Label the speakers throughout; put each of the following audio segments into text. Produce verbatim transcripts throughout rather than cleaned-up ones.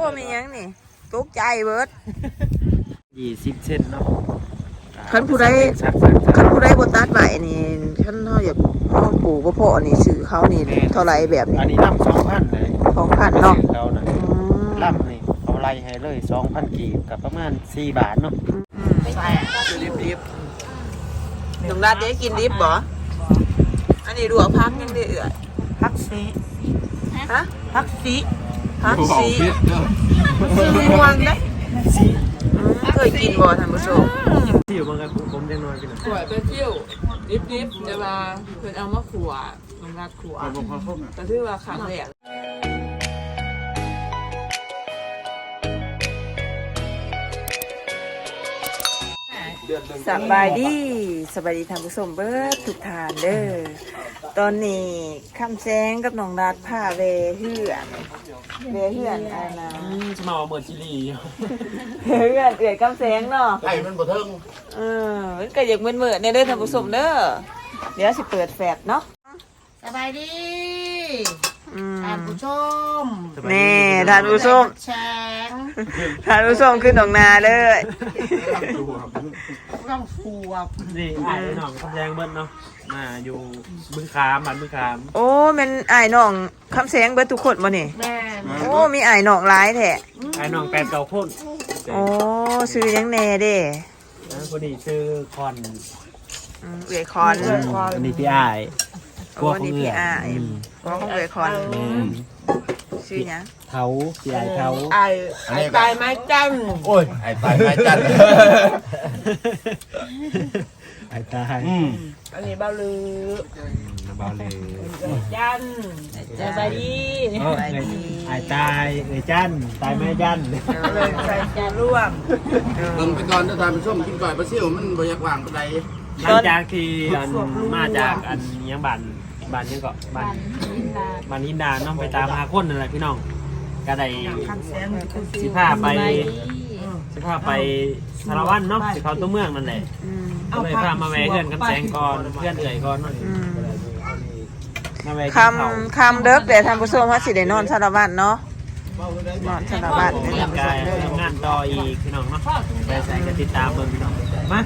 Speaker 1: มียังนี่ตกใจเบิด
Speaker 2: ยี่สิบเซนเนาะ
Speaker 1: คันผู้ใดคันผู้ใดบ่ตัดไว้นี่คันเฮาอยากเฮาปลูกบ่พอนี่ซื้อเขานี่เท่าไหร่แบบนี้
Speaker 2: อันนี้ล่ำสองพันเลย
Speaker 1: สองพันเนาะ
Speaker 2: เขาน่ะล่ำนี่เอาไล่ให้เลยสองพันกีบกับประมาณสี่บาทเนาะ
Speaker 1: ใช่ดิบๆน้องรัดได้กินดิบบ่อันนี้ลวกผักยังได้เอื้อยผักซีฮะผักซีผักซีซีม่วงได้ซีเคยกินบ่ท่านผู้ชม
Speaker 2: ที่อยู่บางกันผมยังน้อยพี่น้อง
Speaker 3: ขวดไปเที่ยวดิบๆแต่ว่าเพิ่นเอามาขัวน้ำรัดขัวแต่ถือว่าครั้งแรก
Speaker 1: สบายดีสบายดีท่านผู้ชมเบิดทุกท่านเด้อตอนนี้คำแสงกับน้องรัดพาเวเฮือนเวเฮือนอันนะ
Speaker 2: จะมาเอาเมอร์จิลี่
Speaker 1: เวเฮือนเอื้อยคำแสงเนาะ
Speaker 4: ไอ้มันบ่เทิง
Speaker 1: เออมันก็อยากเหมือนๆในเด้อท่านผู้ชมเด้อเดี๋ยวสิเปิดแฟลชเนาะ
Speaker 5: สบายดีท่านผู้ชม
Speaker 1: นี่ท่านผู้ชม
Speaker 5: แชง
Speaker 1: ท่านผู้ชมขึ้นตรงนาเลย
Speaker 5: ต้องฟูอ่ะ
Speaker 2: นี่ไอ้น้องคำแดงเบิ้ลเนาะมาอยู่บึงขามบ้านบึงขาม
Speaker 1: โอ้เป็นไอ้น้องคำแสงเบิดทุกคนบ่นี่
Speaker 5: แม่
Speaker 1: โอ้มีไอ้น้องหลายแท้
Speaker 2: ไอ้น้องแปดเก่าพ่น
Speaker 1: โอ้ซื้อยังแน่เด้
Speaker 2: คนนี้ชื่อคอน
Speaker 1: เอื้อยคอน
Speaker 2: อันนี้พี่ไอ้
Speaker 1: พวกนี้พี่อ้ายพวกของเอื้อยคอนชื่อหยัง
Speaker 2: เท้าพี่ไอ้เท้า
Speaker 5: ไอ้ไอ้ตายไม้จัน
Speaker 4: โอ้ยไอ้ตายไม้จัน
Speaker 2: ไอ้ตาย
Speaker 5: อันนี้เบาลือ
Speaker 2: เบาเลย
Speaker 5: จันสบายดี
Speaker 2: ไอ้ตายไอ้จันตายไม่จัน
Speaker 5: เลยใส่จานร่วม
Speaker 4: เบิ่งไปก่อนถ้าทานไปส้มกินก่อยปลาซิ่วมันบ่อยากวางปานใด
Speaker 2: หลังจากที่มาจากอันยังบ้านบ้านยังเกาะบ้านบ้านหินดาน้องไปตามหาคนนั่นแหละพี่น้องก็ได้สิพาไปสิพาไปสารวัตรเนาะสิเขาตัวเมืองนั่นแหละก็เลยพามาแวะเพื่อนกันแสงก่อนเพื่อนเอ่ยก่อน
Speaker 1: คำคำเด็กแต่ท่านผู้ชมว่าสิได้นอนสารวัตรเนาะนอนสารวัตรเ
Speaker 2: นี่ยกายทำงานต่ออีกพี่น้องเนาะไปใส่กันติดตามเบิ่งพี่น้องมา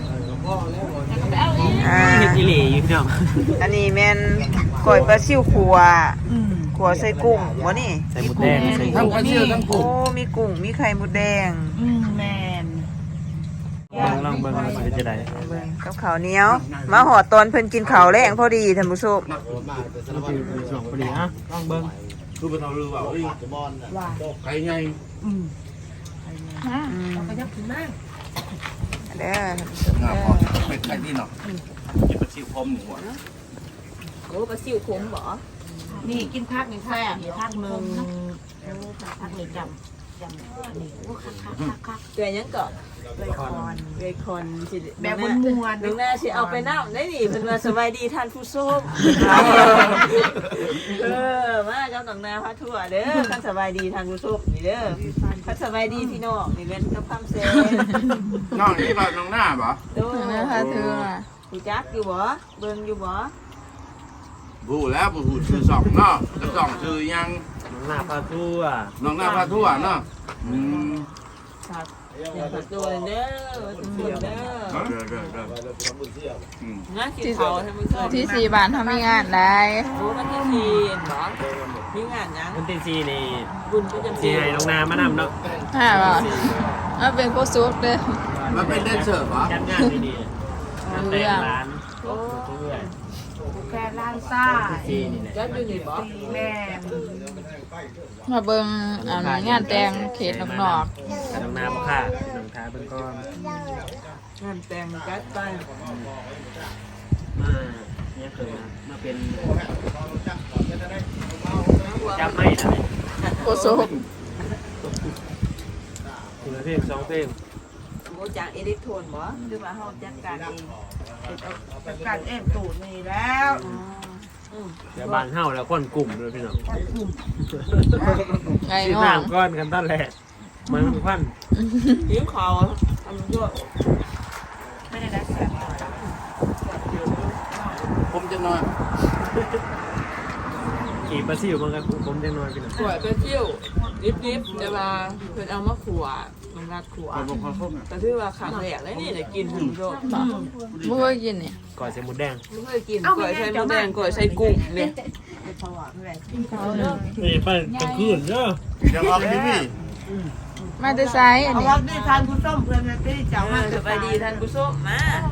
Speaker 2: เฮ็ดจิหรี่อยู่พี่น้อง
Speaker 1: อันนี้แม่นก้อยปลาซิ่วขัวขัวใส่กุ้งบ่นี่
Speaker 2: ใส่หมูแดงใส่
Speaker 4: ทั้งปลาซิ่วทั้งกุ้ง
Speaker 1: โอ้มีกุ้งมีไข่มดแดง
Speaker 5: แม่น
Speaker 2: เบิ่งลองเบิ่งว่าสิจะได้
Speaker 1: เบิ่งกับข้าวเหนียวมาหอดตอนเพิ่นกินข้าวแรงพอดีท่านผู้ชม
Speaker 2: สองพอดีอ่ะลองเบิ่ง
Speaker 4: คือบ่เอาลือว่าเอ้ยไก่ใหญ่
Speaker 5: อืมฮะเราก็ยับถึงมาก
Speaker 1: เด้อ
Speaker 4: งาพอเป็ดไก่นี่เนาะกินปลาซิ่วพร้อมหมูอ่ะ
Speaker 3: โอ้ปลาซิ่วขมบ่
Speaker 5: นี่กินพักหนึ่งแซ่บพักหนึ่งพักหนึ่งจำจำนี่โอ้คักคักคักคัก
Speaker 3: เกลือยังก่อน
Speaker 1: เลยคอน
Speaker 3: เลยคนสิ
Speaker 5: แบบมวนมวน
Speaker 3: น้องแม่สิเอาไปน้ำได้ดิเพิ่นว่าสบายดีท่านผู้ชมเออมาเจ้าน้องนาพาทั่วเด้อท่านสบายดีท่านผู้ชมนี่เด้อท่านสบายดีพี่น้องนี่เป็นกับคำเซน
Speaker 4: น้องนี่บ่น้องหน้าบ่
Speaker 3: โอ้น้าพาทั่วรู้จักอยู่บ่เบิ่งอยู่บ่
Speaker 4: บูแล้วบูชื่อสองเนาะแล้วสองชื่อยัง
Speaker 2: น้องหน้าพาทั่ว
Speaker 4: น้องหน้าพาทั่วเนาะอืม
Speaker 3: ครับเดี๋ยวพักตัวเด้อเด้อเด้องั้นกินข้าวท่านผู้ชม
Speaker 5: ที่สี่บาททำมีงานได้
Speaker 3: โอ้วันที่สี่เหรอมีงานยัง
Speaker 2: วันที่สี่นี่
Speaker 3: บุญประจำปี
Speaker 2: ที่ให้น้องนามานำเนาะ
Speaker 5: ฮ่าบ่เอาเป็นโคซุปเด้อ
Speaker 4: มันเป็นแดนเซอร์ป่ะ
Speaker 2: จัดงานดีๆงานแต่งร้านโอ้เพื่อน
Speaker 5: แค่ล้านซ่า
Speaker 3: จัดอยู่นี่บ่
Speaker 5: แม่มาเบิ่งอ่างานแต่งเขตนอก
Speaker 2: น้องนาบ่ค่ะน้องทาเบิ่งก่อน
Speaker 3: งานแต่งจัดไป
Speaker 2: มาเนี่ยเคยมาเป็นจับไม่ได้
Speaker 5: โคซุป
Speaker 2: คือเพลงสองเพลง
Speaker 3: โอ้จากอิเล็กโทรนบ่หรือว่าเฮาจัดการเอง
Speaker 5: จัดการเองตูดนี่แล้ว
Speaker 2: เดี๋ยวบ้านเฮาแล้วคนกลุ่มเลยพี่น้อง
Speaker 5: ไง
Speaker 2: ที่น้ำก้อนกันตั้งแหละมันพัน
Speaker 3: หิวข้าวทำด้วย
Speaker 5: ไม่ได้ได้แซ่บ
Speaker 4: ผมจะนอน
Speaker 2: กีบปลาซิวมันก็ผมจังน้อยพี่น้อง
Speaker 1: ขวดไปเที่ยวดิบๆแต่ว่าเพิ่นเอามาขัวลงรัดขัวแต่ถือว่าครั้งแรกเลยนี่ได้กินถึงโดด
Speaker 6: บ่เคยกินเนี่ย
Speaker 2: ก่อยใส่หมูแดง
Speaker 1: ไม่เคยกินก๋วยใส่หมูแดงก๋วยใส่กุ้งเนี่ย
Speaker 2: นี่ไปกลางคืนเด้อ
Speaker 4: อย่าออกทีวี
Speaker 6: มาแต่ไซส์อัน
Speaker 3: เอา
Speaker 6: นี้
Speaker 3: ว่าได้ทานผู้ส้มเพื่อนนะที่เจ้ามา
Speaker 1: สบายดีท่านผู้ชมมา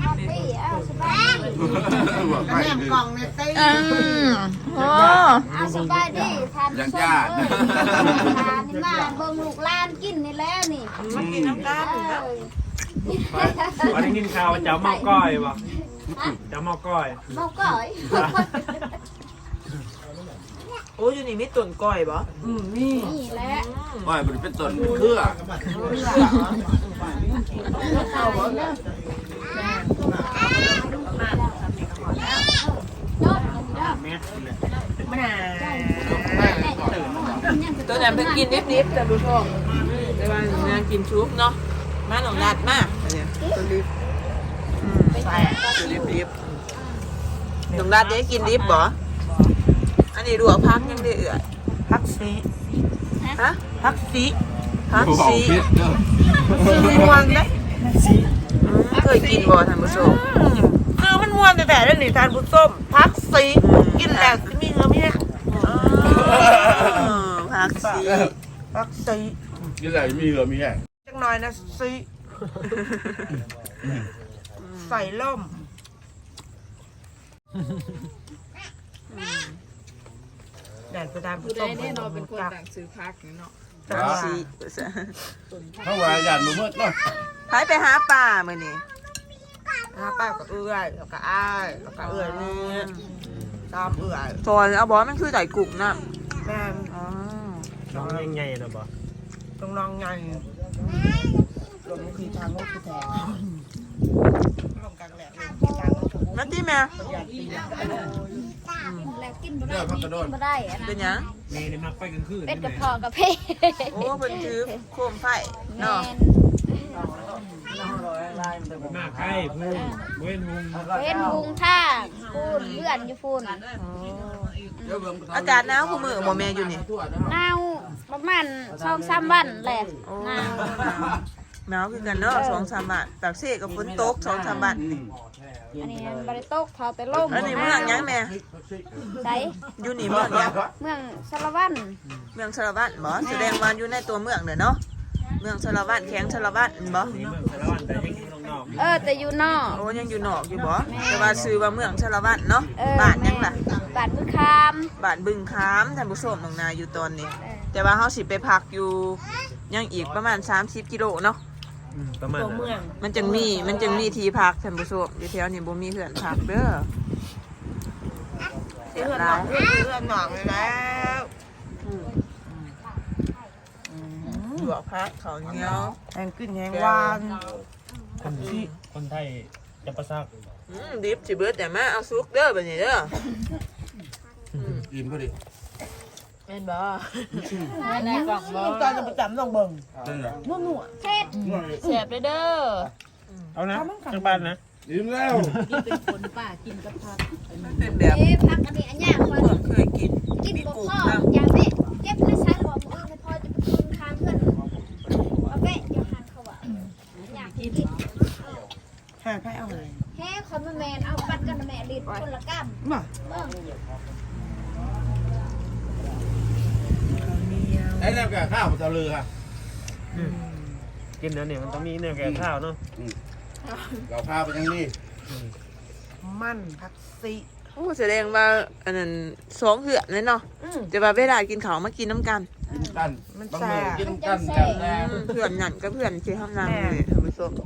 Speaker 4: บอกไป
Speaker 3: แม่กล่องเนี่ยตี
Speaker 6: อืมโอ้
Speaker 7: เอาสบายดีทาน
Speaker 4: ยัง
Speaker 7: ส้ม
Speaker 4: ญาติ
Speaker 7: เอ้ยทานนี่มาเบิ่งลูกหลานกินนี่แหล้วนี่
Speaker 1: มากินน้ำตาล
Speaker 7: เอ
Speaker 1: นะ
Speaker 7: อ
Speaker 2: วันนี้กินข้าวเจ้าเมาก้อยบ่เจ้าเมาก้อย
Speaker 7: เมาก่อย
Speaker 1: โอ้ยอยู่นี่มีต้นก้อยบ่
Speaker 3: อืมนี่
Speaker 7: นี่แหละ
Speaker 4: ว่ามันเป็นต้นเครือ
Speaker 2: แม่กินเลย
Speaker 3: มะนาว
Speaker 1: ตัวนั้นเพิ่งกินนิดๆท่านผู้ชมแต่ว่าน่ากินชุบเนาะมาหนองนัดมาอันเนี้ยตัวลิฟตัวลิฟลิฟหนองนัดได้กินลิฟบ่อันนี้ดูเอาพักยังได้เอื่อย
Speaker 3: พักซี
Speaker 1: ฮะ
Speaker 3: พักซี
Speaker 1: พัก
Speaker 4: บอก
Speaker 1: ซี
Speaker 4: พิษเด้อ
Speaker 3: มันม่วนนะ
Speaker 1: เคยกินบ่ท่านผู้ชม
Speaker 3: คือมันม่วนแต่แต่เรื่องนี้ทานผู้ส้มพักซีกินแล้วมีเงือมีนะ
Speaker 1: พักซี
Speaker 3: พักซี
Speaker 4: ยี่ไรมีเหรอมีแห้ง
Speaker 3: จังหน่อยนะซีใส่ล่มแดดประดานผู้ส้มแน่นอนเป็นคนต่างซื้อพักเนาะ
Speaker 1: พักซี
Speaker 4: เขาว่าญาติมือมืดเนาะ
Speaker 1: ไปไปหาปลามื้อนี้
Speaker 3: ถ้าป้าก็เอื้อยแล้วก็อ้ายแล้วก็เอื้อยนี่ตามเอื้อย
Speaker 1: ซอยเอาบ่มันคือไก่กุ่งน่ะ
Speaker 3: แม่
Speaker 1: อ๋อ
Speaker 2: น้องยังไงนะบ่
Speaker 3: ตรงนองไงลงคือทางโน้คือแทงลงกลางแหลกเลยทางโน้
Speaker 1: นั่นที่แม่
Speaker 7: แล้วกินบ่ได้กินบ่ได้อะ
Speaker 1: เป็นหยัง
Speaker 2: เมย์นี่มักไปกลางคืน
Speaker 7: เป็ดกระเพาะกับเพ
Speaker 1: โอ้เพิ่นถือโคมไฟ
Speaker 7: แม่
Speaker 1: เนาะ
Speaker 2: มากใกล้พูนเว้นหุง
Speaker 7: เป็นหุงท่าปูนเลื่อนอยู่ปูน
Speaker 1: อากาศหนาวคู่มือบ่แม่อยู่นี่
Speaker 7: หนาวประมาณสองสามวันแหละ
Speaker 1: โอ้
Speaker 7: หนาว
Speaker 1: หนาวคือกันเนาะสองสามบาทปากเสกับฝนตกสองสามบาทนี่
Speaker 7: อันนี้บริโตกเขาแต่ลม
Speaker 1: อันนี้เมืองหยังแม่
Speaker 7: ใส่
Speaker 1: อยู่นี่เมืองหยัง
Speaker 7: เมืองสารวัน
Speaker 1: เมืองชลวัตบ่แสดงว่าอยู่ในตัวเมืองเด้อเนาะเมืองชลวัตแข้งชลวัตบ่
Speaker 2: นี่เมืองสารวันแต่ยังอยู่นอก
Speaker 7: เออแต่อยู่นอก
Speaker 1: โอ้ยังอยู่นอกอยู่บ่แต่ว่าชื่อว่าเมืองชลวัตเนาะ
Speaker 7: เออ
Speaker 1: บ้านหยังล่ะ
Speaker 7: บาดมือคาม
Speaker 1: บ้านบึงค้ามท่านผู้ชมน้องนาอยู่ตอนนี้ แต่ว่าเฮาสิไปพักอยู่ยังอีกประมาณสามสิบกิโลเนาะ
Speaker 2: ประมาณ
Speaker 3: ตัวเมือง
Speaker 1: มันจึงมีมันจึงมีที่พักท่านผู้ชมอยู่แถวนี้บ่มีเขื่อนพักเด้อ
Speaker 3: เอื้อนหนองเอื้อนเอื้อนหนองเลยแล้ว
Speaker 1: หยวกพักเขาวเหนียว
Speaker 3: แหงขึ้นแหงหวาน
Speaker 2: คนที่คนไทยจะประซัก
Speaker 1: อืมดิบสิเบิดแต่มาเอาซุกเด้อบัดนี้เด้อ
Speaker 4: อิ่มพอดี
Speaker 1: แม่นบ่
Speaker 6: ในกล่องบ่
Speaker 3: ตอนจะประจำต้องเบิ่ง
Speaker 4: นั่นแหละ
Speaker 3: มั่ว
Speaker 7: เช็ด
Speaker 6: แซ่บเลยเด้อ
Speaker 2: เอานะจังบ้านนะ
Speaker 4: อิ่มแล้ว
Speaker 1: มันเป็นแบบ
Speaker 7: เอ๊ะพักอันนี้อันยากกว่า
Speaker 1: เมืองเคยกิน
Speaker 7: กิน
Speaker 1: มี
Speaker 7: บ่
Speaker 1: กุ้ง
Speaker 7: พอ
Speaker 1: น้ำ
Speaker 7: อย่างนี้เก็บในชั้นบอกมือไม่พอจะไปคืนค้างเพื่อนเอาไปเดี๋ยวหันเขาว่าอยากกิน
Speaker 3: ๆหาไพ่เอาเลย
Speaker 7: แฮ่คอมแมนเอาปัดกันแม่ลิดคนละกัม
Speaker 3: มา
Speaker 7: เบิ่ง
Speaker 4: ไอ้นั่นแกข้าวมันจะลือค่ะ
Speaker 2: กินแล้วเนี่ยมันต้องมีแนวแก่ข้าวเนาะ
Speaker 4: เราข้าวไปยังนี่
Speaker 3: มันพักซี
Speaker 1: โอ้แสดงว่าอันนั้นสองเหือนเลยเนาะ
Speaker 3: อืม
Speaker 1: แต่ว่าเวลากินข้าวมากินน้ำกัน
Speaker 4: กินกัน
Speaker 3: มัน
Speaker 4: บาง
Speaker 3: แซ่
Speaker 4: มื้อบ กินกันกันแน่
Speaker 1: อืมเพื่อนนั่นก็เพื่อนที่ห้องน้ำเลยท่านผู้ชม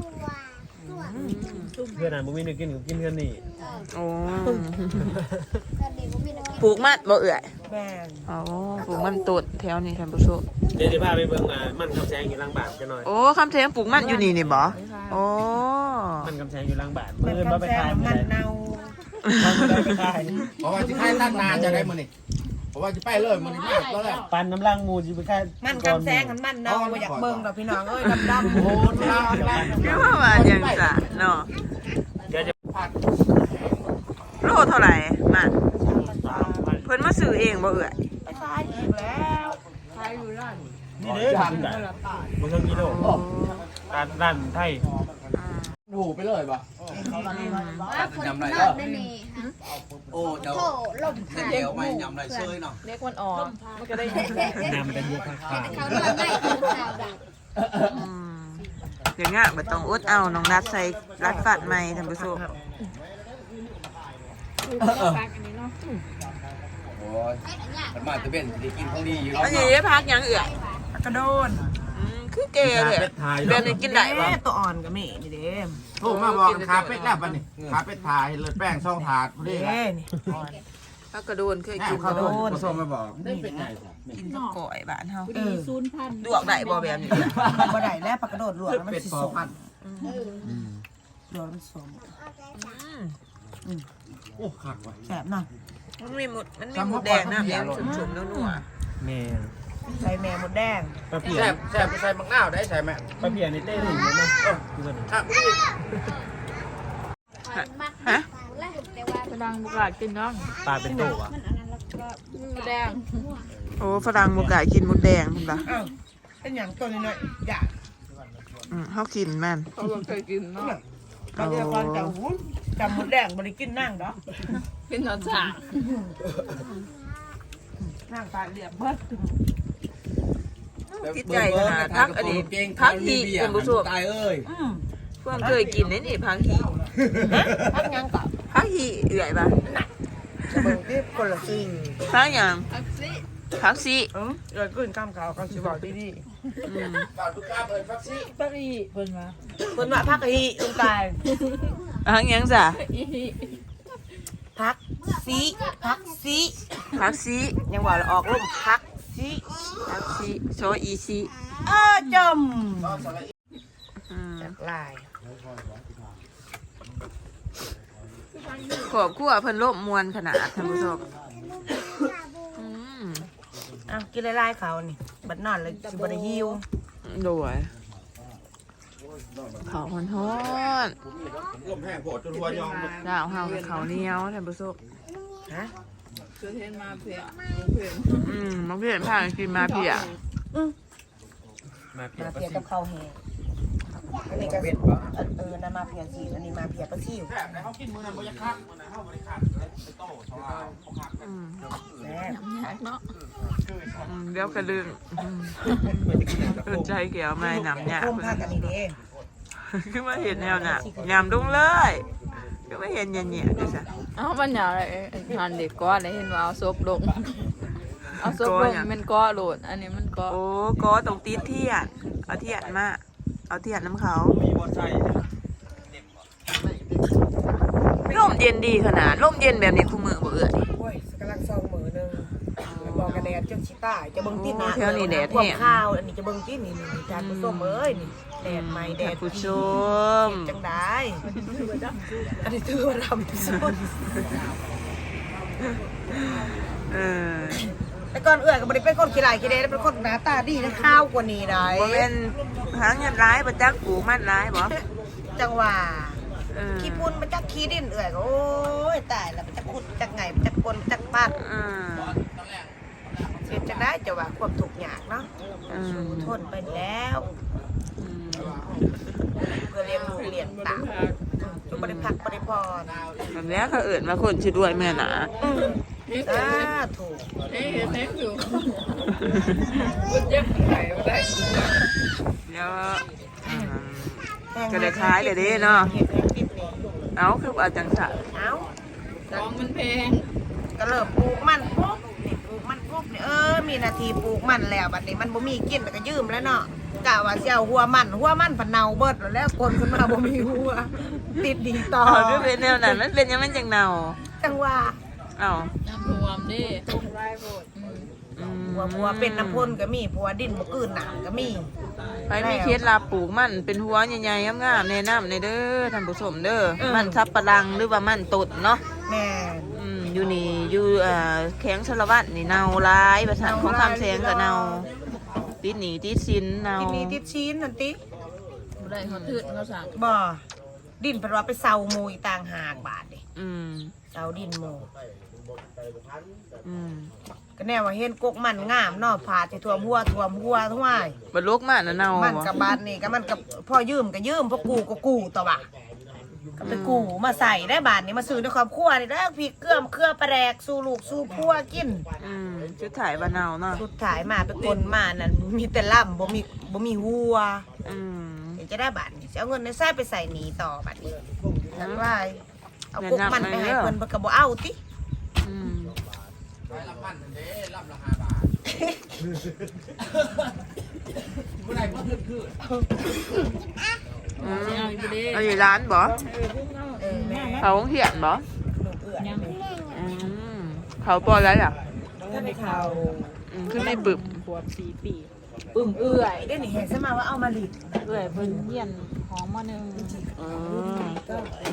Speaker 2: เพื่อนอ่านบุมีนึกกินกับกินกันนี่
Speaker 1: โอ้
Speaker 7: แต่เด็กบ่มีนักกิน
Speaker 1: ปลูกมันบ่เอื่อย
Speaker 3: แม่น
Speaker 1: อ๋อปลูกมันต้นแถวนี้ท่านผู้ชม
Speaker 2: เดี๋ยวจะพาไปเบิ่งอ่ามันคำแสงอยู่หลังบ้านกันหน่อย
Speaker 1: โอ้คำเทงปลูกมันอยู่นี่นี่บ่โอ้
Speaker 2: มันคำแสงอยู่หลังบ้าน
Speaker 3: มัน
Speaker 2: เมื่อ
Speaker 3: คำ
Speaker 2: เราไป
Speaker 3: แซ่
Speaker 2: ถ่าย
Speaker 3: บ
Speaker 2: ไม่
Speaker 3: มัน
Speaker 2: ได้
Speaker 3: เน่า
Speaker 2: เราไปถ่าย
Speaker 4: เพราะว่าจะให้ตั้งนานจะได้มื้อนี่เพราะว่าจะไปเลยมื้อนี้มากก็แล้ว
Speaker 2: ปันน้ำลังมูจิไปค่าย
Speaker 3: มันคำแซงกันมันเน่าบ่อยากเบิ่งดอกพี่น้องเอ้ยดำๆ
Speaker 4: โอ้โห
Speaker 3: โอ้
Speaker 4: ลา
Speaker 1: เรียกว่าว่าอย่างจ้ะเนาะ
Speaker 2: เดี๋ยวจะ
Speaker 1: โลเท่าไหร่มันเพิ่นมาซื้อซื้อเองบ่เอื่อย
Speaker 3: ไปขายอีกแล้วขายอยู่ร้าน
Speaker 2: นี่เด้อกินกันบ่ต้องกิโลร้านร้านไทย
Speaker 4: หูไปเลยปะ
Speaker 7: ว่าคนนอกได้นี่ฮะ
Speaker 4: โอ้เดี๋ยว
Speaker 7: โถลมผ่าน
Speaker 4: เดี๋ยวไม่ยำไรเชยเนาะ
Speaker 6: เล็กมันออกมันก็ได้
Speaker 2: นำเป็นบัวขาว
Speaker 7: เขานอนได้กินข้าวดัง
Speaker 1: อืมเดี๋ยวง่ะบ่ต้องอดเอาน้องนัดใส่รัดฟัดใหม่ท่านผู้ชม
Speaker 4: โอ้ยมันมาจะเป็นได้กินของดีอยู่
Speaker 1: อันนี้ได้พักยังเอื่อย
Speaker 3: กระโดน
Speaker 1: อืมคือเกเลย
Speaker 2: เป็ดไทย
Speaker 1: แบบนี้กินได้บ่
Speaker 3: แม่ตัวอ่อนกับแม่นี่เด้
Speaker 8: โทรมาบอกขาเป็ดแล้วปะนี่ขาเป็ดถ่ายเลยแป้งช่องถาดพอดี
Speaker 3: เด้นี่
Speaker 1: พักกระโดนเคย
Speaker 8: แม่
Speaker 1: กิน
Speaker 8: เขาโดนผสมมาบอก
Speaker 3: นี่แหละ
Speaker 1: กินกับก่อยบ้านเฮา
Speaker 3: เออ
Speaker 1: ลวกได้บ่แบบนี้
Speaker 3: บ่ได้แล้วปลากระโดดลวกแล้วมัน
Speaker 8: เป็ด
Speaker 3: สิ
Speaker 8: ปอ
Speaker 3: สม
Speaker 8: พัน
Speaker 3: ลวกแล้วมันสม
Speaker 1: อืม
Speaker 8: โอ้ขักว่ะ
Speaker 3: แซ่บเนาะ
Speaker 1: มันมีหมดมันมีหมูแดงน้ำแดงชุ่มๆนัว
Speaker 2: แม่
Speaker 3: ใส่แม่หมดแดง
Speaker 2: ปลาเพีย
Speaker 8: แซ่บแซ่บใส่มักนาวได้ใส่แม่
Speaker 2: ปลาเพียในเต้หนึ่งเลยนะเออคือกัน
Speaker 8: ครับ
Speaker 7: มาก
Speaker 1: ๆฮะ
Speaker 7: แล้วแต่ว่า
Speaker 6: กระดังบุกากินน้อง
Speaker 2: ปลาเป็นโตอ่ะ
Speaker 7: มันอันนั้นแล้วก็
Speaker 6: แดง
Speaker 1: โอ้ฝรั่งบ่กล้ากินหมูแดงเพิ่นบ่
Speaker 3: อ้าวเป็นหยังตัวนี้หน่อยอยาก
Speaker 1: อืมเฮากินแม่น
Speaker 6: เขาบอกเคยกินเนาะ
Speaker 3: บางทีก่อนจะหูจำหมดแดงบ่ได้กินนั่งดอก
Speaker 6: กินนอนจ่า
Speaker 3: นั่งตาเรียบเบิด
Speaker 1: ติดใจขนาดพักอันนี้พักหีท่านผู้ชม
Speaker 4: ตายเอ้ย
Speaker 3: อืม
Speaker 1: เพิ่งเคยกินนี่นี่พักหี
Speaker 3: พักหยังกับ
Speaker 1: พักหีเอื่อยบ่ะ
Speaker 3: เบิ่งที่คนละสิ่ง
Speaker 1: พักหยังพักสิ
Speaker 3: เออเกิดขึ้นข้ามเขาเขาสิบอกดี
Speaker 1: อืม
Speaker 4: ก่อนทุกข้าเปิดฟักซี่
Speaker 6: ปารีเพิ่นมา
Speaker 3: ๆเพิ่นว่าพักอีลุงตาย
Speaker 1: พักหยังจ้ะ
Speaker 3: พักซีพักซี
Speaker 1: พักสิ
Speaker 3: ยังว่าเราออกร่มพักซี
Speaker 1: พักสิโชอีสิ
Speaker 3: เออจม
Speaker 1: อืม
Speaker 3: จากลาย
Speaker 1: ครอบครัวเพิ่นร่มมวลขนาดท่านผู้ชมอืม
Speaker 3: อ้าวกินลายๆเขานี่บัดนอนเลยสิบ่ได้หิว
Speaker 1: โดยเขาวฮ้อน
Speaker 8: ลมแห้งโผดจนหัวยองหมด
Speaker 1: ๆดาวเฮากับเขาวเหนียวท่านผู้ชม
Speaker 3: ฮะ
Speaker 6: คือเห็นมาเพียเพีย
Speaker 1: อืมมาเพื่อนพากันกินมาเพีย
Speaker 2: มาเพีย
Speaker 3: มา
Speaker 2: ปลา
Speaker 3: เพีย
Speaker 2: ซิ
Speaker 3: กับข้าวแห้งอันนี้ก็เออนะมาเพียสีอันนี้มาเพียปลาซิว
Speaker 8: แซ่บนะเขากินมือนั้นบ่อยากคักมือนั้นเขาบ่ได้คักไปโต้ชาวลาวเขาคัก
Speaker 1: อืม
Speaker 3: แซ่บ
Speaker 6: ยากเนาะ
Speaker 1: อืมเดี๋ยวกระดึงอืมเอิ้นใจเกี่ยวไม่นำเนี่ย
Speaker 3: ร่มพักอันนี้เด้
Speaker 1: คือมาเห็นแนวน่ะยำดุ้งเลยคือมาเห็นเงี้ยๆดิจ้ะ
Speaker 6: เอ้ามันหยาอะไรหันเด็กก้อนเลยเห็นว่าเอาซบลงเอาซบลงมันก้อโหลดอันนี้มันก้อ
Speaker 1: โอ้ก็ตรงตีนเทียนเอาเทียนมาเอาเทียนน้ำเขา
Speaker 2: มีบอลไซ
Speaker 1: ร่มเย็นดีขนาดร่มเย็นแบบนี้คู่มือบ่เอื่อย
Speaker 3: โอ้ยกำลังซองมือหนึงบอกกันแดดจนชิตายจะเบิ่งที่หน้า
Speaker 1: แถวนี้แดด
Speaker 3: พวก
Speaker 1: แห้ง
Speaker 3: ข้าวอันนี้จะเบิ่งที่นี่นี่จานผู้ส้มเอ้ยนี่แดดใหม่แด
Speaker 1: ท่า
Speaker 3: ด
Speaker 1: นผู้ชม
Speaker 3: จังได้อันนี้ถือว่าดำสุด
Speaker 1: เออ
Speaker 3: แต่ก่อนเอื้อยก็บ่ได้เป็นคนขี้ร้ายขี้เดเป็นคนหน้าตาดีนะข้าวกว่านี้ได้
Speaker 1: บ่เป็นหางเงินร้ายประจักปลูกมันร้ายบ่
Speaker 3: จังหว่า
Speaker 1: เออ
Speaker 3: ขี้ปุ่นมันจักขี้ดินเอื้อยก็โอ้ยตายแล้วมันจักขุดจักไงมันจักกลจักปัด
Speaker 1: อืม
Speaker 3: เสียจังได้จะว่าความทุกข์ยากเนาะ
Speaker 1: อืม
Speaker 3: สู้ทนไปแล้ว
Speaker 1: อืม
Speaker 3: เพื่อเลี้ยงลูกเลี้ยงเตาจุบ่ได้พักบ่ได้พร
Speaker 1: แบบนี้เขาเอิ่นมาคนชื่อด้วยแม่หนา
Speaker 3: สาถูก
Speaker 6: เฮ้ยเฮ้ยอยู่มันจะไข่มาได้
Speaker 1: เดี๋ยวอืม ก็ได้ขายเลยเด้เนาะ
Speaker 3: เฮ็ดให้ปิดนี่
Speaker 1: เอาคือว่าจังสัน
Speaker 3: เอ้า
Speaker 6: ของมันแพง
Speaker 3: ก็เริ่มปลูกมันปุ๊บนี่ปลูกมันปุ๊บนี่เออมีนาทีปลูกมันแล้วบัดนี้มันบ่มีกินแล้วก็ยืมแล้วเนาะกะว่าสิเอาหัวมันหัวมันผันเน่าเบิดแล้วคนขึ้นมาบ่มีหัวติดดีต่อ
Speaker 1: เอาคือเป็นแนวนั้นมันเป็นยังไงจังเนา
Speaker 3: จังว่า
Speaker 1: เอา
Speaker 6: น้ำรวมดิ
Speaker 1: อืม
Speaker 3: หัวหัวเป็นน้ำพ่นก็มีผัวดินบ่กืนหนามก็มี
Speaker 1: ใครมีเคล็ดลับปลูกมันเป็นหัวใหญ่ๆงามๆแนะนำในเด้อท่านผู้ชมเด้อมันสับปะรังหรือว่ามันตดเนาะ
Speaker 3: แม่
Speaker 1: อืมอยู่นี่อยู่เอ่อแข็งชลวัตนี่เนาหลายประสานของคำแสงก็เนาติดหนีติดสินเนา
Speaker 3: ที่นี่ที่ชิ้นนั่นติ
Speaker 6: บ่ได้เขาทืดเขาสั่ง
Speaker 3: บ่ดินเพิ่นว่าไปเซาหมูอีต่างหากบาทดิ
Speaker 1: อืม
Speaker 3: เซาดินหมู
Speaker 1: อืม
Speaker 3: ก็แน่ว่าเห็นกกมันงามเนาะผาที่ท่วมหัวท่วมหัวทั้งว่าย
Speaker 1: บัดลกมาน่ะเนา
Speaker 3: มันกับบานนี่ก็มันกับพ่อยืมก็ยืมพ่อกูก็กูต่อว่ะก็ไปกูมาใส่ได้บานนี้มาซื้อในครอบครัวนี่แล้วพริกเกลือมเครือปลาแดกสู่ลูกสู่พัวกิน
Speaker 1: อืมชุดถ่ายบานเนาเนาะ
Speaker 3: สุดท้ายมาไปกลมานั่นมีแต่ล่ำบ่มีบ่มีหัว
Speaker 1: อืม
Speaker 3: เดี๋ยวจะได้บาทนี่จะเอาเงินในไส้ไปใส่หนีต่อบาทนี้นั่นว่าเอากุ๊กมันไปให้เพิ่นเพิ่นก็บ่เอาติ
Speaker 1: อืม
Speaker 8: ไปละพันเด้รับละห้าบาทเมื่อไหร่เมื่อคืนคืน
Speaker 1: อืมเอาอยู่ร้านบ่
Speaker 3: เออแม่
Speaker 1: เขาเขียนบ่
Speaker 3: ลูกเอื้อน
Speaker 1: อืมเขาปล่อยแล้วล่ะ
Speaker 3: ถ้าไปเขา
Speaker 1: อืมขึ้นในบึบ
Speaker 5: ขวบสี่ปี
Speaker 3: ปึ้มเอื้อยได้นี่เห็นซะมาว่าเอามาลิด
Speaker 5: เอื่อยเพิ่นเฮียนหอมมาหนึ่ง
Speaker 1: อืม
Speaker 3: ก็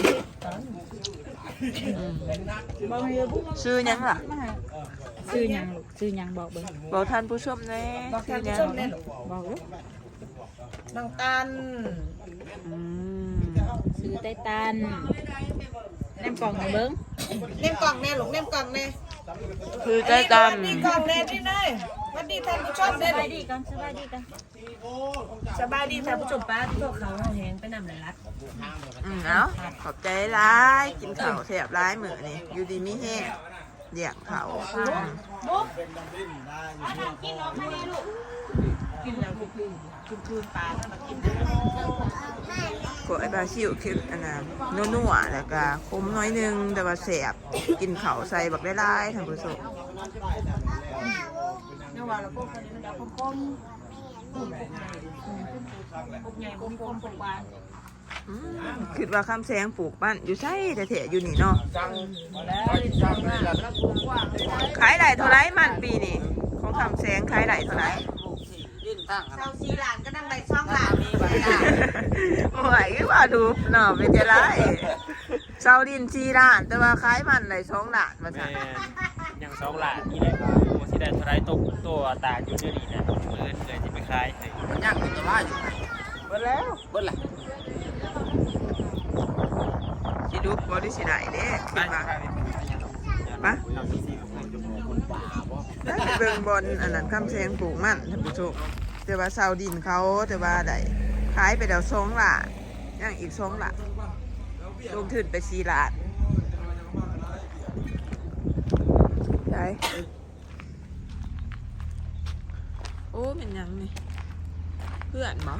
Speaker 1: อืม
Speaker 5: บ่ให้บุก
Speaker 1: ชื่อหยังล่ะ
Speaker 5: ซื้อหยังลูกซื้อหยังบอกเบิ่ง
Speaker 1: บอกท่านผู้ชมแน่
Speaker 3: บอก
Speaker 1: ชื่
Speaker 3: ท่า
Speaker 1: อน หยั
Speaker 3: ผู้
Speaker 1: ง
Speaker 3: ชมแน่ลูก
Speaker 5: บอกลูก
Speaker 3: น้องตัน
Speaker 1: อืม
Speaker 5: ซื้อไต้ตันแนมกล่องให้เบิ่ง
Speaker 3: เล่มกล่องแน่ลูกเล่มกล่องแน่
Speaker 1: คือใจตัน
Speaker 3: นี่กล่องแน่นี่เลยสวัสดีท่านผู้ชม
Speaker 5: ส
Speaker 3: แน่
Speaker 5: บายดีกันสบายดีกัน
Speaker 3: สบายดีท่านผู้ชมป้าที่พวกเขาแหงไปนำหลายรัด
Speaker 1: อืมเอาขอบใจร้ายกินข้าวแสบร้ายมื้อนี่อยู่ดีมีแห้งเลี้ยงเขาอืม
Speaker 3: กินแล้วคืนคืนคืนปลาถ้ามากิน
Speaker 1: กไอ้บาซิลคืออันนั้นนัวๆแล้วก็คมน้อยหนึงแต่ว่าแสบกินข้าวใส่บักได้หลายท่านผู้ชม
Speaker 3: เนี่ยว่าเราพวกคนนี้มันจะคมๆปุ่มปุ่มใหญ่ปุ่มคมปุ่มหวาน
Speaker 1: อืมคิดว่าคำแสงปลูกบ้านอยู่ใช่แต่แถอยู่นี่เนาะ
Speaker 3: แล้วจังแล้วแล้วปุ่มว่า
Speaker 1: ขายได้เท่าไรมันปีนี่ของคำแสงขายได้เท่าไร
Speaker 3: เซาซีหลานก็นั่งใบช่องหลานนี่ไว้ล่ะ
Speaker 1: โอ้ยก็ว่าดูเนาะเป็นจะไรเซาดินชีร้าน แต่ว่าขายมันได้สองล้านมา
Speaker 2: แม่
Speaker 1: สั่น
Speaker 2: ยังสองหลานนี่แหละว่าสิได้เท่าไรตกตัวตาอยู่เดี๋ยวนี้นะมื้ออื่นเกิดสิไปขายให้
Speaker 8: ย่างตัวละอยู่
Speaker 1: เบิดแล้ว
Speaker 8: เบิ้ลละ
Speaker 1: สิดูบ่ได้สิได้เด้คิดว่าปะได้ไปเบิ่งบอลอันนั้นคำแสงปลูกมันท่านผู้ชมแต่ว่าเซาดินเขาแต่ว่าได้ขายไปแล้วสองล้านยังอีกสองล้านลงทุนไปสี่ล้านได้โอ้เป็นหยังนี่เพื่อนบ่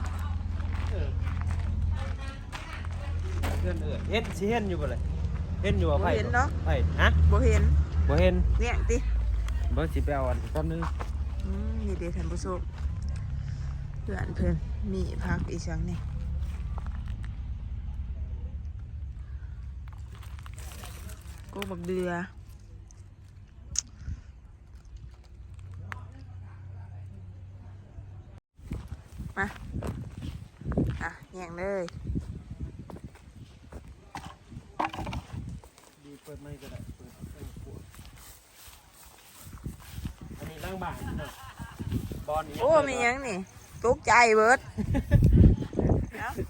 Speaker 2: เพื่อนเอิ้นเฮ็ดสิเห็นอยู่บ่เลยเห็นอยู่บ่ไผ
Speaker 1: บ่เห็นเนาะ
Speaker 2: ไผฮะ
Speaker 1: บ่เห็น
Speaker 2: บ่เห็น
Speaker 1: เนี่ยติ
Speaker 2: บ่สิไปเอาอันแป๊บนึง
Speaker 1: อืมนี่เด้ท่านผู้ชมเพื่อนเพิ่นมีพักอีกชังนี่กูบักเดือมาอ่ะแย่งเลย
Speaker 2: ดีเปิดไมค์ก็ได้เปิดเปิดขวดอันนี้ล้างบ้านเนาะบอลนี่
Speaker 1: โอ้มีหยังนี่ตกใจเบิดเอ้า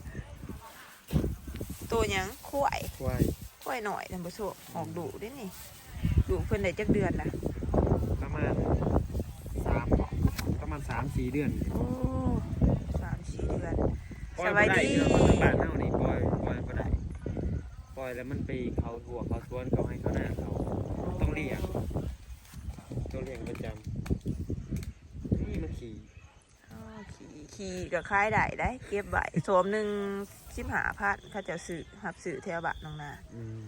Speaker 1: ตัวหยังข่วย
Speaker 2: ควาย
Speaker 1: ข่วยหน่อยท่านผู้ชมออกดุเด้นี่ดุเพิ่นได้จักเดือนล่ะ
Speaker 2: ประมาณสามประมาณสามสี่เดือน
Speaker 1: โอ้สามสี่เดือน
Speaker 2: ปล่
Speaker 1: ส
Speaker 2: อย
Speaker 1: บาย
Speaker 2: บ่ได้
Speaker 1: ดี
Speaker 2: เนาะบอลบ้านเฮานี่ปล่อยปล่อยบ่ได้ปล่อยแล้วมันไปเขาถั่วเขาสวนเขาให้เขาหน้าเขาต้องเลี้ยงต้องเลี้ยงประจำนี่มันขี่
Speaker 1: อ้าวขี่ขี่กับคล้ายได้ได้ เก็บไว้สวมหนึ่งสิบหาพันเขาจะซื้อหับซื้อแถวบ้านน้องนา
Speaker 2: อืม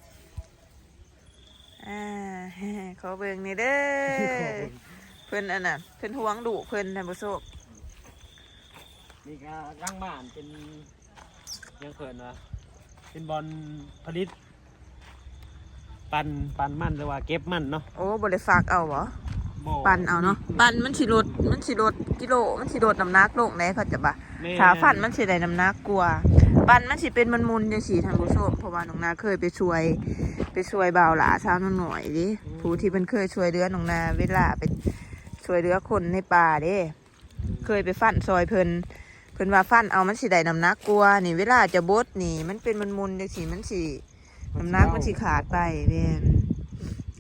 Speaker 1: อ่า ขอเบิ่งนี่เด้อเพิ่นอันน่ะเพิ่นห่วงดุเพิ่นท่านผู้ชม
Speaker 2: นี่ก็ร่างบ้านเป็นยังเขินวะเป็นบอลผลิต ปันปันมันหรือว่าเก็บมันเนาะ
Speaker 1: โอ้บ่ได้ฝากเอาบ่
Speaker 2: บ่
Speaker 1: ปั่นเอาเนาะปั่นมันสิลดมันสิลดกิโลมันสิลดน้ำหนักลงได้เขาจะบ่า
Speaker 2: แม่
Speaker 1: ขาฟันมันสิได้น้ำหนักกว่าปั่นมันสิเป็นมันมุนจังซี่ท่านผู้ชมเพราะว่าน้องนาเคยไปช่วย ไปช่วยบ่าวหลาสาวน้องหน่อยดิผู้ที่เพิ่นเคยช่วยเหลือน้องนาเวลาไปช่วยเหลือคนในป่าเด้เคยไปฟันซอยเพิ่นเพิ่นว่าฟันเอามันสิได้น้ำหนักกว่านี่เวลาจะบดนี่มันเป็นมันมุนจังซี่มันสิน้ำหนักมันสิขาดไปแม่น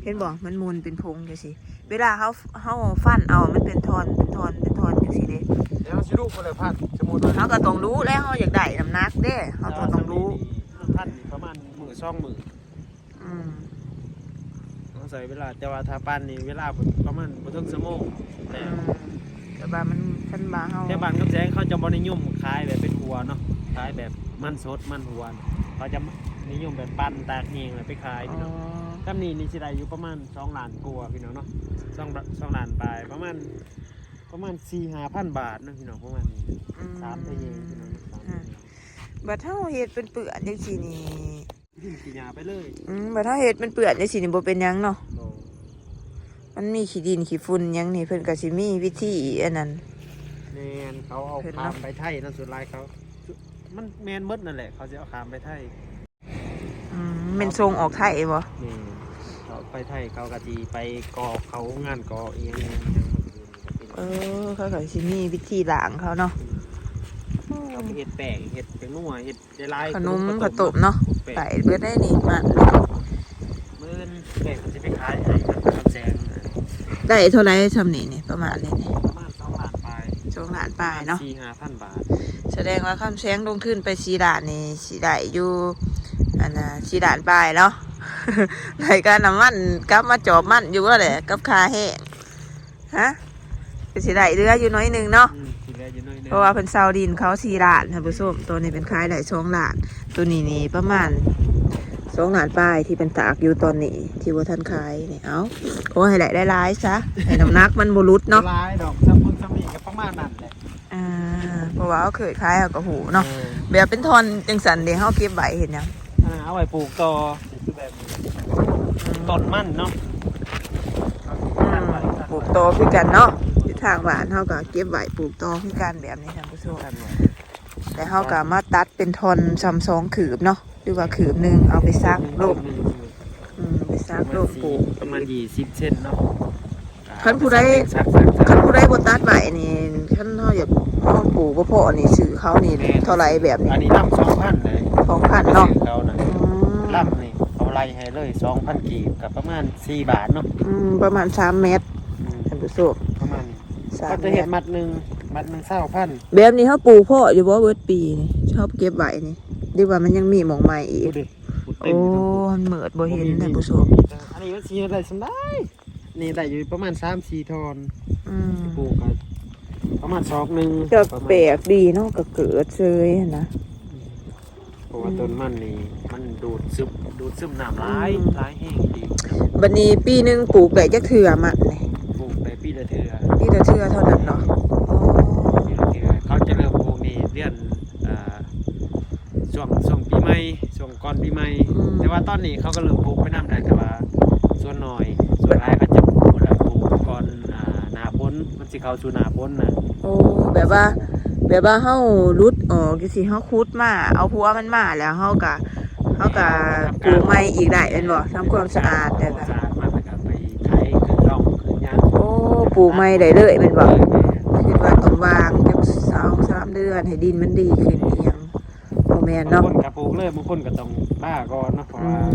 Speaker 1: เห็นบ่มันมูลเป็นพงจังซี่เวลาเฮาเฮาฟันเอามันเป็นทอนเป็นทอนเป็นทอนจังซี่เด้
Speaker 2: เดี๋ยวสิลูกบ่ได้พันสมมุติว่า
Speaker 1: เฮาก็ต้องรู้แล้วเฮาอยากได้น้ำหนักเด้เฮาก็ต้องรู้
Speaker 2: พันนี่ประมาณมื้อสองมื้อ
Speaker 1: อืม
Speaker 2: ต้องใช้เวลาแต่ว่าถ้าปั้นนี่เวลาประมาณบ่ถึงชั่วโมงแต่
Speaker 1: อืมแต่ว่ามันคันบาเฮา
Speaker 2: แต่บ้านกับแสงเขาจะบ่นิยมขายแบบเป็นหัวเนาะขายแบบมันสดมันหัวเขาจะนิยมแบบปั้นตากแห้งแล้วไปขายพี่น้องตำนี้นี่สิได้อยู่ประมาณสองล้านกว่าพี่น้องเนาะสองสองล้านปลายประมาณประมาณ สี่ถึงห้าพัน บาทเนาะพี่น้องประมาณนี้สามทะเยงพี่น้องสามทะเยง
Speaker 1: บัดเฮาเฮ็ดเป็นเปื้อนจังซี่นี่
Speaker 2: กินกินยาไปเลย
Speaker 1: อืมบัดเฮาเฮ็ดเป็นเปื้อนจังซี่นี่บ่เป็นหยังเนาะ
Speaker 2: โอ้
Speaker 1: มันมีขี้ดินขี้ฝุ่นหยังนี่เพิ่นก็สิมีวิธีอันนั้น
Speaker 2: แมนเขาเอาขามไปไทยนั่นสุดท้ายเขา มันแมนเบิดนั่นแหละเขาจะเอาขามไปไทย
Speaker 1: อืมแม่นทรงออกไทยบ่
Speaker 2: นี่เขาไปไทยเขากะจีไปกอเขางานกอเอง
Speaker 1: เออเขาก็สิมีวิธีล้างเขาเนาะ
Speaker 2: เขาไปเห็ดแป้งเห็ดเป็นนัวเห็ดได้ลาย
Speaker 1: ขนมข้าวต้มเนาะไปเบิดได้นี่มา
Speaker 2: เมื่อนแป้งจะไปขายให้กับแซง
Speaker 1: ได้เท่าไหร่ซำนี้นี่ประมาณนี้นี่
Speaker 2: ประมาณสองล้านปลาย
Speaker 1: สองล้านปลายเนาะ
Speaker 2: สี่ห้าพันบาท
Speaker 1: แสดงว่าคำแสงลงทุนไปสี่ล้านนี่สิได้อยู่อันน่ะสี่ล้านปลายเนาะ ในการน้ำมันกลับมาจอบมันอยู่ว่าแหละกับคาแห้งฮะก็สิได้เรืออยู่น้อยหนึงเนาะ
Speaker 2: อืมทีแรกอยู่น้อยนึง
Speaker 1: เพราะว่าเพิ่นเซาดินเขาสี่ล้านท่านผู้ชมตัวนี้เป็นขายได้สองล้านตัวนี้นี่ประมาณสองล้านปลายที่เป็นตากอยู่ตอนนี้ที่ว่าท่านขายนี่เอ้าโอ้ให้ได้ได้หลายซะให้น้ำหนักมันบ่หลุดเนาะ
Speaker 2: ลายดอกซัมมุนซัมมี่ก็ประมาณนั้นแหละ
Speaker 1: อ่าเพราะว่าเขาเคยขายเอากระหูเนาะแบบเป็นทอนจังสันเดี๋ยวเขาเก็บไว้เห็นยัง
Speaker 2: อ่าเอาไว้ปลูกต่อคือแบบต้นมันเนาะ
Speaker 1: อืมปลูกโตคือกันเนาะที่ทางบ้านเขาก็เก็บไว้ปลูกโตคือกันแบบนี้ท่านผู้ชมแต่เขาก็มาตัดเป็นทอนซ้ำสองขืบเนาะหรือว่าขืบหนึ่งเอาไปซักลมอืมไปซักลมปลูก
Speaker 2: ประมาณยี่สิบเซนเนาะ
Speaker 1: คันผู้ใด
Speaker 2: ซักซักซัก
Speaker 1: คันผู้ใดบนตัดไว้นี่คันเขาอยากเขาปลูกบ่พอนี่ซื้อเขานี่เท่าไรแบบนี้
Speaker 2: อันนี้ลำสองพันเลย
Speaker 1: สองพันเนาะ
Speaker 2: เขานะ
Speaker 1: อืม
Speaker 2: ลำนี่เอาไล่ให้เลยสองพันกีบกับประมาณสี่บาทเนาะ
Speaker 1: อืมประมาณสามเมตร
Speaker 2: อืม
Speaker 1: ท่านผู้ชม
Speaker 2: ประมาณนี้
Speaker 1: สาม
Speaker 2: ก็จะ
Speaker 1: เม
Speaker 2: เห็
Speaker 1: ต
Speaker 2: น
Speaker 1: ร
Speaker 2: มัดหนึ่งมัดหนึ่งเศร้าพัน
Speaker 1: แบบนี้เขาปลูกพ่ออยู่บ่เบิดปีนี่ชอบเก็บไว้นี่ดีว่ามันยังมีหมองใหม่อีก
Speaker 2: ดูดิเต็
Speaker 1: โอ้
Speaker 2: มอยู่ทั้ง
Speaker 1: มันเหมิดบ่เห็นท่านผู้ชม
Speaker 2: อันนี้มันสีอะไรสำได้นี่ได้อยู่ประมาณสามสี่ทอน
Speaker 1: อืม
Speaker 2: ปลูกกันประมาณสองหนึ่ง
Speaker 1: จะแปลกดีเนาะก็เกิดเซยนะ
Speaker 2: เพราะว่าต้นมันนี่มันดูดซึมดูดซึมน้ำร้ายร้ายแห้งดี
Speaker 1: บัดนี้ปีหนึงปลูกได้จักเทื่อมันนี่
Speaker 2: ปลูกไปปีละเทือ
Speaker 1: ปีละเทื่อเท่านั้นเนาะโอ้
Speaker 2: ปีละเทือเขาจะเริ่มปลูกนี่เดือนอ่าช่วงช่วงปีใหม่ช่วงก่อนปีใหม่แต่ว่าตอนนี้เขาก็เริ่มปลูกไปน้ำได้แต่ว่าส่วนน้อยส่วนร้ายเขาจะปลูกแล้วปลูกก่อนอ่าหน้าฝนมันสิเข้าสู่หน้าฝนนะ
Speaker 1: โอ้แบบว่า แบบว่าเฮารุดออกจังซี่เฮาขุดมาเอาหัวมันมาแล้วเฮาก็เฮาก็ปลูกใหม่อีกได้แม่นบ่ทำความสะอาดแต่ก็
Speaker 2: สะอาดมากแล้วก็ไปไถขึ้นร่องขึ้นยาง
Speaker 1: โอ้ปลูกใหม่ได้เลยแม่นบ่คิดว่าต้องวางจักสองสามเดือนให้ดินมันดีขึ้นอีหยังบ่แม่น
Speaker 2: บาง
Speaker 1: เนาะ
Speaker 2: คนก็ปลูกเลยบางคนก็ต้องป้าก่อนเนาะเพราะ
Speaker 1: อื
Speaker 2: ว่าม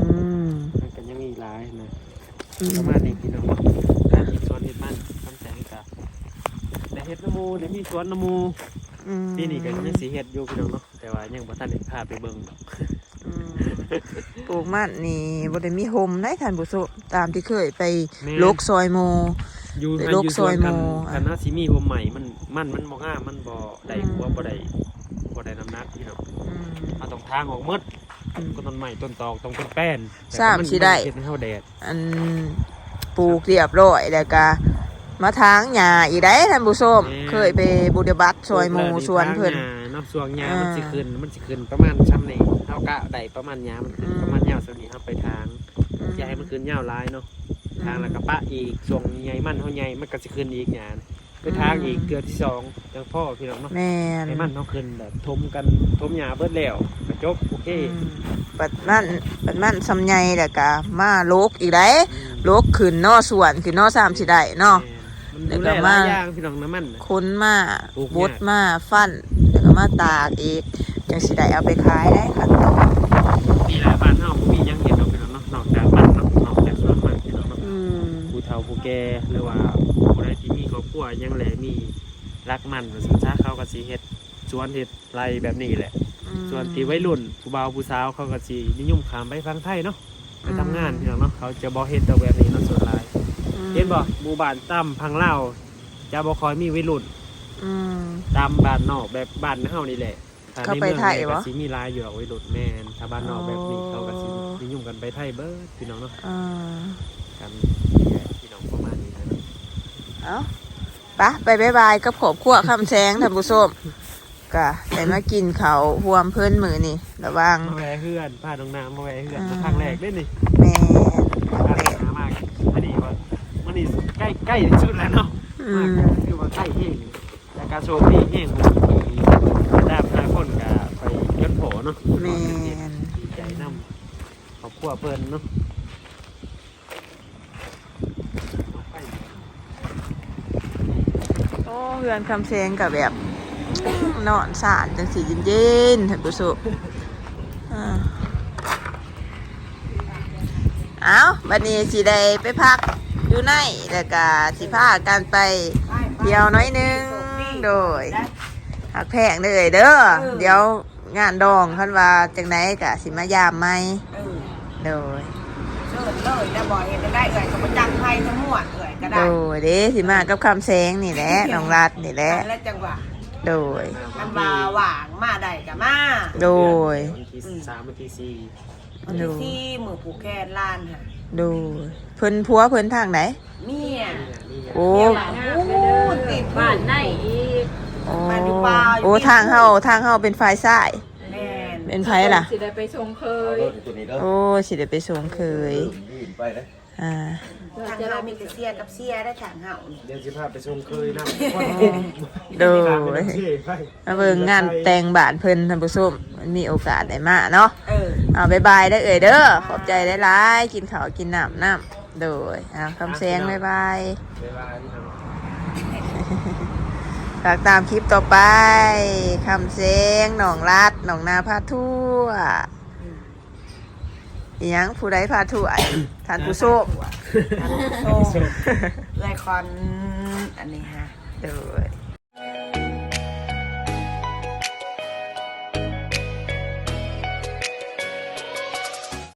Speaker 2: มันก็ยังมีหลายนะ
Speaker 1: อืม
Speaker 2: ประมาณนี้พี่น้องการเฮ็ดสวนเฮ็ดมันทำแสงกับได้เฮ็ดน้ำมูได้มีสวนน้ำมู
Speaker 1: อืม
Speaker 2: ปีนี้ก็ยังสิเฮ็ดอยู่พี่น้องเนาะแต่ว่ายังบ่ทันได้พาไปเบิ่งดอก
Speaker 1: อืมปลูกมันนี่บ่ได้มีโฮมได้ท่านผู้ชมตามที่เคยไปลกซอยโม
Speaker 2: อยู่
Speaker 1: ไป
Speaker 2: ให้
Speaker 1: โล
Speaker 2: อก ยู่
Speaker 1: ซ
Speaker 2: ส
Speaker 1: อ
Speaker 2: วย น
Speaker 1: โม
Speaker 2: กัน
Speaker 1: อ่ะ
Speaker 2: กันนะสิมีผมใหม่มันมันมันบ่งามมันบ่ได้
Speaker 1: อืม
Speaker 2: หัวบ่ได้บ่ได้น้ำหนักพี่น้อง
Speaker 1: อืม
Speaker 2: เอาต้องทางออกหมด
Speaker 1: อืม
Speaker 2: ก็ต้นใหม่ต้นตอกต้องเป็นแป้น
Speaker 1: สามสิได้
Speaker 2: เฮ็ดให้เฮาแดด
Speaker 1: อันปลูกเรียบร้อยแล้วก็มาทางหญ้าอีกได้ท่านผู้ชมเคยไปบุญบัตรซอยโมสวนเพิ่น
Speaker 2: ทางหญ้าเนาะสวนหญ้า
Speaker 1: อ่ามั
Speaker 2: มันสิขึ้นมันสิขึ้นประมาณซ้ำนี่เฮากะได้ประมาณหญ้ามันขึ้น
Speaker 1: อืม
Speaker 2: ประมาณยาวส่วนนี้เฮาไปทางอย่าให้มันขึ้นยาวหลายเนาะทางแล้วก็ปะอีกส่วงใหญ่มันเฮาใหญ่มันก็สิขึ้นอีกหญ้าไปทางอีกเกือบที่สองจังพ่อพี่น้องเนาะ
Speaker 1: แม่น
Speaker 2: ให้มันเฮาขึ้นแบบทมกันทมหญ้าเบิดแล้วก็จบโอเค
Speaker 1: อืมปัดมันปัดมันสำไยแล้วก็มาโลกอีกได้
Speaker 2: อืม
Speaker 1: โลกขึ้นนอสวนขึ้นนอสามสิได้เนาะ
Speaker 2: มันดูแลหลายอย่างพี่น้องน้ำมันน่ะ
Speaker 1: ค้นมา
Speaker 2: ปลูก
Speaker 1: บ
Speaker 2: ยาก
Speaker 1: ดมาฟันแล้วก็มาตากอีกจังสิได้เอาไปขายได้ค่ะต่อ
Speaker 2: มีหลายบ้านเฮาบ่มีหยังเห็นดอกพี่น้องเนาะนอกจากบ้านเนาะนอกจากสวนมันพี่น้องเนาะ
Speaker 1: อื
Speaker 2: ผู้แก่หรือว่าผู้ใดที่มีครอบครัวยังแลมีรักมันว่าซั่นซะเขาก็สิเฮ็ดสวนเฮ็ดไรแบบนี้แหละส่วนที่วัยรุ่นผู้บ่าวผู้สาวเขาก็สินิยมข้ามไปฟังไทยเนาะไปทำงานพี่น้องเนาะเขาจะบ่เฮ็ดแต่แบบนี้เนาะส่วนหลายเห็นบ่หมู่บ้านต่ำพังลาวจะบ่ค่อยมีวัยรุ่น
Speaker 1: อืม
Speaker 2: ตามบ้านนอกแบบบ้านเฮานี่แหละถ้
Speaker 1: เขาไปไทย
Speaker 2: ใน
Speaker 1: วะ
Speaker 2: เมืองเนี่ยก็สิมีหลายอยู่ดอกวัยรุ่นแม่นถ้าบ้านนอกแบบนี้เขาก็สินิยมกันไปไทยเบิดพี่น้องเนาะ
Speaker 1: อ่า
Speaker 2: กันพี่น้องประมาณนี้นะ
Speaker 1: เอาปะไปบายบายกับขอบขั้วคำแสงท่านผู้ชมก็ได้มากินเขาวหวมเพิ่นมือนี่ระวัง
Speaker 2: มาแวะเฮือนพาน้องน้ำมาแวะเฮือน
Speaker 1: อ่า
Speaker 2: ครั้งแรกเด้นี่
Speaker 1: แม่
Speaker 2: พาน้องน้ำมากอันนี้ว่ามันนี่ใกล้ใกล้ที่สุดแล้วเนาะ
Speaker 1: อื
Speaker 2: มาก
Speaker 1: ม
Speaker 2: คือว่าใกล้แห้งแต่การโชว์พี่แห้งบางทีแต่หลายคนก็ไปย้อนโผเนาะ
Speaker 1: แม่น
Speaker 2: ดีใจนำครอบครัวเพิ่นเนาะ
Speaker 1: โอ้เรือนคำแสงกับแบบนอนสานจังสีเย็นๆท่านผู้ชมอ่าเอาบัดนี้สิได้ไปพักอยู่ในแล้วก็สิพากันไปเที่ยวน้อยหนึงโดยหักแพงเลยเด้อเดี๋ยวงานดองคันว่าจังไหนกะสิมายามไหม
Speaker 3: เออ
Speaker 1: โดย
Speaker 3: เชิญเลยแล้วบ่เห็นได้เอ่ยกับประจังไทยทั้งหมดเอ่ยก็
Speaker 1: โด
Speaker 3: ได้
Speaker 1: ยเด้สิมากับคำแสงนี่แหละน้องรัดนี่แหละ
Speaker 3: และจังหวะ
Speaker 1: โดย
Speaker 3: มันมาหว่างมาได้กับมา
Speaker 1: โดย
Speaker 2: วันที่สามวันที่สี่
Speaker 3: วันที่ที่มือผูกแขนล้านค่ะ
Speaker 1: โดยเพิ่นพัวเพิ่นทางไหน
Speaker 3: เมีย
Speaker 1: โอ้
Speaker 3: เมียหลานอู้ติดบ้านในอีก
Speaker 1: โอ้
Speaker 3: บ้านอยู่ป่าอยู่
Speaker 1: โอ้ทางเฮาทางเฮาเป็นฝ่ายซ้าย
Speaker 3: แม่น
Speaker 1: เป็นไผล่ะ
Speaker 6: สิได้ไปชงเคย
Speaker 8: ตัวนี้เด้อ
Speaker 1: โอ้สิได้ไปส่งเคย
Speaker 8: ยืนไปเลย
Speaker 1: อ่า
Speaker 3: ทางเฮามีแต่เสียกับเสียได้ทางเฮานี่
Speaker 2: เดี๋ยวสิพาไปชมเคยนะ
Speaker 1: โดยมาเบิ่งงานแต่งบ้านเพิ่นท่านผู้ชมมันมีโอกาสได้มาเนาะ
Speaker 3: เออ
Speaker 1: เอาบายบายได้อเอ่ยเด้อขอบใจหลายๆกินข้าวกินน้ำน้ำโดยอ่าคำแสงบายบาย
Speaker 2: เวลาที่ทำ
Speaker 1: ฝากตามคลิปต่อไปคำแสงหนองรัดหนองนาพาทั่วอีหยังผู้ใดพาทั่วไอ้ท่านผู้ชม
Speaker 3: โซ่เลยคอนอันนี้ฮะ
Speaker 1: โดย